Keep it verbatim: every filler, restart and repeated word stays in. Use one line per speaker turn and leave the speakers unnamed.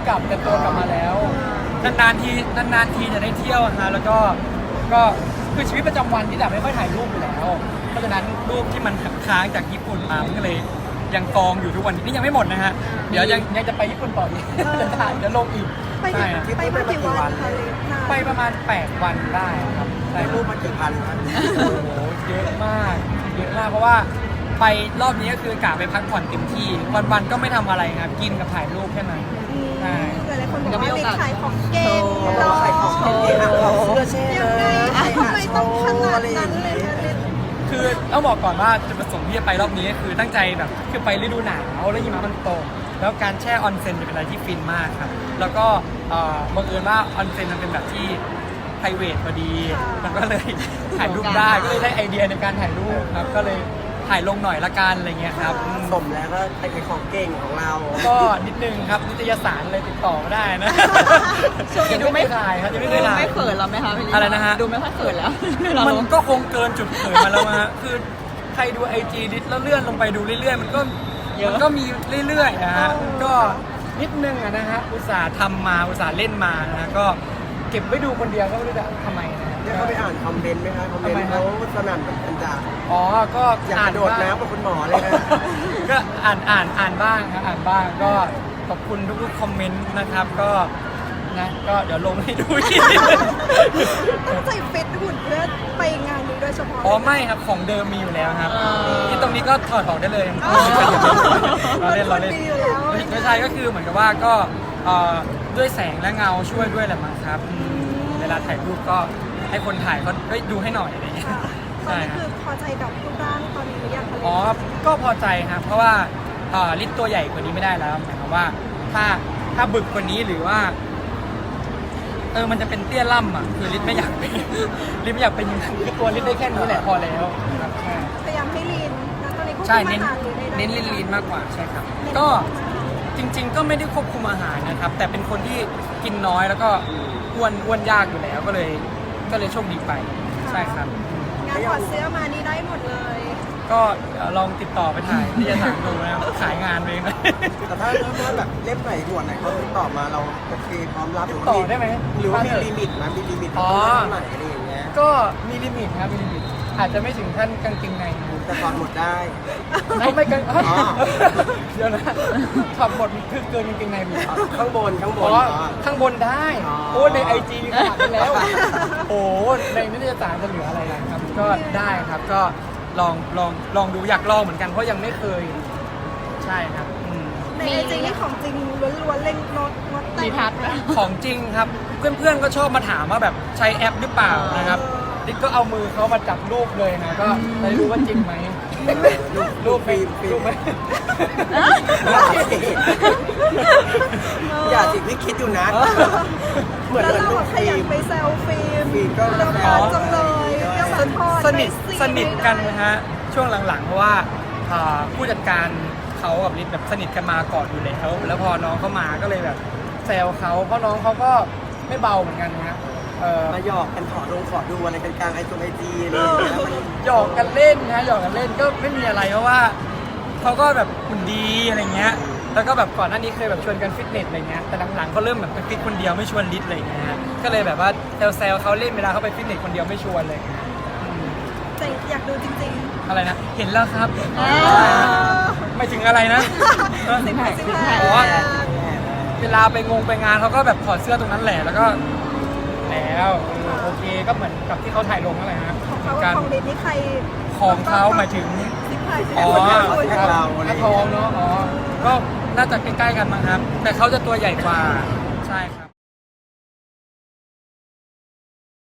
กลับแต่ตัวกลับมาแล้วนานๆทีนานๆทีจะได้เที่ยวนะแล้วก็ก็คือชีวิตประจำวันที่แบบไม่ค่อยถ่ายรูปอยู่แล้วเพราะฉะนั้นรูปที่มันค้างจากญี่ปุ่นมามันก็เลยยังกองอยู่ทุกวันนี้นี่ยังไม่หมดนะฮะเดี๋ยวยังยังจะไปญี่ปุ่นต่ออีกจะถ่ายจะลงอีก
ไป
ใช่
ไปมากี่วันคะลิศ
ไปประมาณแปดวันได้ครับได้
รูปมากี่พันครับ
โอ้โหเยอะมากเยอะมากเพราะว่าไปรอบนี้ก็คือกะไปพักผ่อนเต็มที่วันๆก็ไม่ทำอะไรครับกินกับถ่ายรูปแค่นั้นใช่
หลายๆคนบอกว่าลิศขายของเก่ง
เราขายของเก่งอ่ะของเสื้อเช่
ยัง
เล
ไง
ย
ทำไมต้องขนาดนั้นเลยคะลิศ
คือต้องบอกก่อนว่าจุดประสงค์ที่จะไปรอบนี้คือตั้งใจแบบคือไปฤดูหนาวแล้วหิมะมันตกแล้วการแช่ออนเซ็นจะเป็นอะไรที่ฟินมากครับแล้วก็เอ่อบังเอิญว่าออนเซ็นมันเป็นแบบที่ไพรเวทพอดีมันก็เลยถ่ายรูปได้ก็เลยได้ไอเดียในการถ่ายรูปครับก็เลยถ่ายลงหน่อยละกันอะไรเงี้ยครับอืม
สมแล้วก็เป็นของเก่งของเรา
ก็นิดนึงครับนิตยสารเลยติดต่อมาได้นะ
ช่วงนี้ดูไม่
ถ่ายครับยังไม่
ดู
เคยถ่าย
ไม่เขินแล้วไหมคะพี่ลิศ
อะไรนะฮะ
ดูไม่ค่อยเขินแล้ว
มันก็คงเกินจุดเขินมาแล้วฮะคือใครดูไอจีดิสแล้วเลื่อนลงไปดูเรื่อยๆมันก็มันก็มีเรื่อยๆนะฮะก็นิดนึงอะนะฮะอุตส่าห์ทำมาอุตส่าห์เล่นมานะฮะก็เก็บไว้ดูคนเดียวก็ไม่รู้จะทำไมนะ
ได้เข้าไปอ่านคอมเมนต์ไหมครับคอมเมนต์เขาสนั่นแบบกันจ่า
อ๋อก็
อยาก
อ่าก น
ระโดด
บ้าง
น้ำกับคุณหมอเลยนะ
ก็อ่านอ่านอ่านบ้างครับอ่านบ้างก็ขอบคุณทุกๆคอมเมนต์นะครับก็นะก็เดี๋ยวลงให้ดูอีก
ตั้งใจฟิตหุ่นเพื่อไปงานนี้โดยเฉพาะ
อ๋อไม่ครับของเดิมมีอยู่แล้วครับที่ตรงนี้ก็ถอดออกได้เลย
อ๋อ
เราเล่นเราเล่น
มันดีอยู่แล้ว
ไม่ใช่ก็คือเหมือนกับว่าก็เอ่อด้วยแสงและเงาช่วยด้วยแหละมั้งครับอืมเวลาถ่ายรูปก็ให้คนถ่ายก็เฮ้ยดูให้หน่อยอะไรอย่างเงี้ย
ตอน
ใช่
นี้
ครับ
คือพอใจกับรูปร่างตอนนี้หรือยังคะลิศ
อ๋อก็พอใจครับเพราะว่าเอ่อลิตตัวใหญ่กว่านี้ไม่ได้แล้วหมายความว่าถ้าถ้าบึกกว่านี้หรือว่าเออมันจะเป็นเตี้ยล่ำอ่ะคือลิตไม่อยากเป็น ลิตไม่อยากเป็นอย่างนั้นคือตัวลิตได้แค่นี้แหละพอแล้วครับใช่
พยายามให้ลีนนะตอนนี้ควบ
ใช่
คุม
เน้น
อาหารหรือใดๆ
เน้นลีนลีนมากกว่าใช่ครับ ก็จริง ๆ ก็ไม่ได้ควบคุมอาหารนะครับ แต่เป็นคนที่กินน้อยแล้วก็อ้วนอ้วนยากอยู่แล้วก็เลยก็เลยโชคดีไปใช่ครับ
งานถอดเสื้อมานี่ได้หมดเลย
ก็เอ่อลองติดต่อไปถ่ายที่จะถามดูนะครับขายงานเองนะ
แต่ถ้าถ้าแบบเล่มไหนด่วนไหนเขาติดต่อมาเราโอเคพร้อมรับ
ติดต่อได้ไหม
หรือว่ามีลิมิตไหมมีลิมิต
อ๋อ
เท่าไหร่อะไรอย่างเงี้ย
ก็มีลิมิตครับมีลิมิตอาจจะไม่ถึงขั้นกางเกงในนะ
แต่ก่อนหมดได้
ไม่ไม่กาง
อ๋อ
เดี๋ยวนะถอดหมดคือเกินกางเกงในไปอีก
ข้างบนข้างบ
อ๋
น
อ
อ๋อ
ข้างบนได้
อ๋อ
โอ้ในไอจีมีขนาดนั้นแล้ว โอ้ในนิตยสารจะเหลืออะไรล่ะครับ ก็ได้ครับก็ลองลองลองดูอยากลองเหมือนกันเพราะยังไม่เคย ใช่ครับอืม
ในไอจีนี่ของจริงล้วนๆเล่นโน้ตโน้ตแต่
มี
ง
ทัศน์ไหม
ของจริงครับ เพื่อนๆก็ชอบมาถามว่าแบบใช้แอปหรือเปล่านะครับดิ๊กก็เอามือเขามาจับรูปเลยนะก็จะได้รู้ว่าจริงไหมรูปไหมรูปไหม
อย่าสิพี่คิดอยู่นะ เหมือน
แล้ว
เหมือน
เรา
ลู
อะ
ก
ข
ฟิ
ยัน
ล์ม
ไปแซลฟิล์ม
ฟิล์มก็
เรา
แซ
พอ
ว
จังเลยเรื่องแบบทอด
สนิท
ไป
สนิทกัน
ไม่
นะ
ได้
ฮะช่วงหลังๆเพราะว่าอ่าผู้จัดการเขากับลิศแบบสนิทกันมาก่อนอยู่แล้วแล้วพอน้องเขามาก็เลยแบบแซวเขาเพราะน้องเขาก็ไม่เบาเหมือนกันนะฮะเออ
มาหยอกกันขอลงขอดูอะไรกันกลางไอจงไอจีอะไรอย่างเงี้ยมัน
หยอกกันเล่นนะหยอกกันเล่นก็ไม่มีอะไรเพราะว่าเขาก็แบบหุ่นดีอะไรเงี้ยแล้วก็แบบก่อนหน้านี้เคยแบบชวนกันฟิตเนสอะไรเงี้ยแต่หลังๆเขาเริ่มแบบไปฟิตคนเดียวไม่ชวนลิศอะไรเงี้ยก็เลยแบบว่าแซวๆเขาเล่นเวลาเขาไปฟิตเนสคนเดียวไม่ชวนเลยอืม
แต่อยากดูจริง
อะไรนะเห็นแล้วครับ
อ่า
ไม่ถึงอะไรนะ
สิบแปด
ๆ
สิบแปด
อ๋อ เวลาไปงงไปงานเขาก็แบบถอดเสื้อตรงนั้นแหละแล้วก็แล้วเออโอเคก็เหมือนกับที่เขาถ่ายลงนั่นแหละฮะ
ของเขา
กั
กับของลิศนี่ใคร
ของเขาหมายถึง
สิบแปด
อ๋อ
คน
ครับ
เรา
หน้าทองเนาะอ๋อก็น่าจะใกล้ๆกันมั้งครับ แต่เขาจะตัวใหญ่กว่าใช่ครับ